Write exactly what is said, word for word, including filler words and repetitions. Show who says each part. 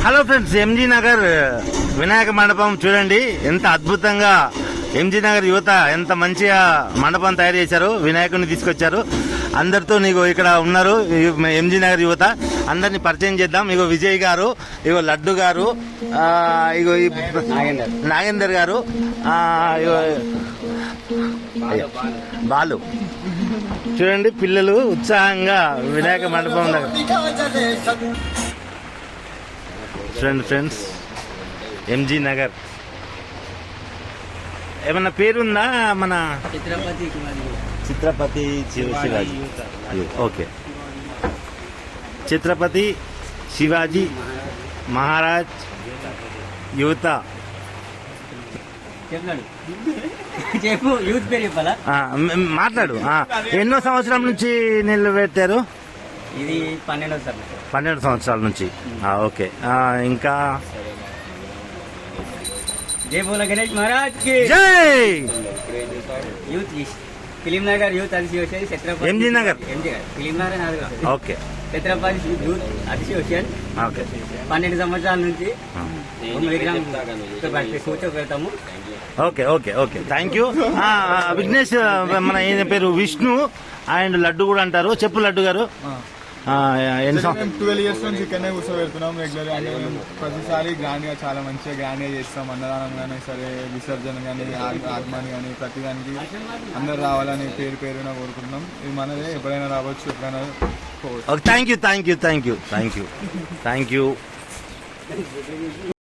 Speaker 1: Hello friends, MG Nagar Vinayaka మండపం చూడండి ఎంత అద్భుతంగా ఎంజీ నగర్ యువత ఎంత మంచిగా మండపం తయారు చేశారు, వినాయకుడిని తీసుకొచ్చారు. అందరితో నీకు ఇక్కడ ఉన్నారు ఎంజీ నగర్ యువత. అందరిని పరిచయం చేద్దాం. ఇగో విజయ్ గారు, ఇగో లడ్డు గారు, ఇగో నాగేందర్ గారు, ఇగో బాలు. చూడండి పిల్లలు ఉత్సాహంగా వినాయక మండపం దగ్గర. చూడండి ఫ్రెండ్స్, ఎంజీ నగర్ ఏమన్నా పేరుందా? మన
Speaker 2: చిత్రపతి
Speaker 1: చిత్రపతి శివాజీ. ఓకే, ఛత్రపతి శివాజీ మహారాజ్ యువత.
Speaker 2: చెప్పు, యూత్ పేరు చెప్పాలా?
Speaker 1: మాట్లాడు. ఎన్నో సంవత్సరాల నుంచి నిలబెట్టారు?
Speaker 2: ఇది పన్నెండవ సంవత్సరం.
Speaker 1: పన్నెండు సంవత్సరాల నుంచి. ఓకే, ఇంకా
Speaker 2: జై బోలో గణేష్ మహారాజ్ కి
Speaker 1: జై.
Speaker 2: Youth film Nagar youth association Chhatrapati
Speaker 1: MG Nagar
Speaker 2: film Nagar నాలుగు.
Speaker 1: Okay,
Speaker 2: Chhatrapati youth association
Speaker 1: okay.
Speaker 2: పన్నెండు సంవత్సరాల నుంచి కూర్చోబెడతాము.
Speaker 1: Okay okay okay thank you. Vighnesh, మన ఈయన పేరు విష్ణు అండ్ లడ్డు కూడా అంటారు. చెప్పు లడ్డు గారు.
Speaker 3: ట్వెల్వ్ ఇయర్స్ నుంచి ఇక్కడనే కూర్చోబెడుతున్నాం రెగ్యులర్ గా. ప్రతిసారి గ్రాండ్ గా, చాలా మంచిగా గ్రాండ్ గా చేస్తాం. అన్నదానం కానీ సరే, విసర్జన కానీ, ఆగమని కానీ, ప్రతి దానికి అందరు రావాలని పేరు పేరున కోరుకుంటున్నాం. ఇది మనదే, ఎప్పుడైనా రావచ్చు, ఎప్పుడైనా పోవచ్చు.
Speaker 1: Thank you thank you thank you thank you thank you.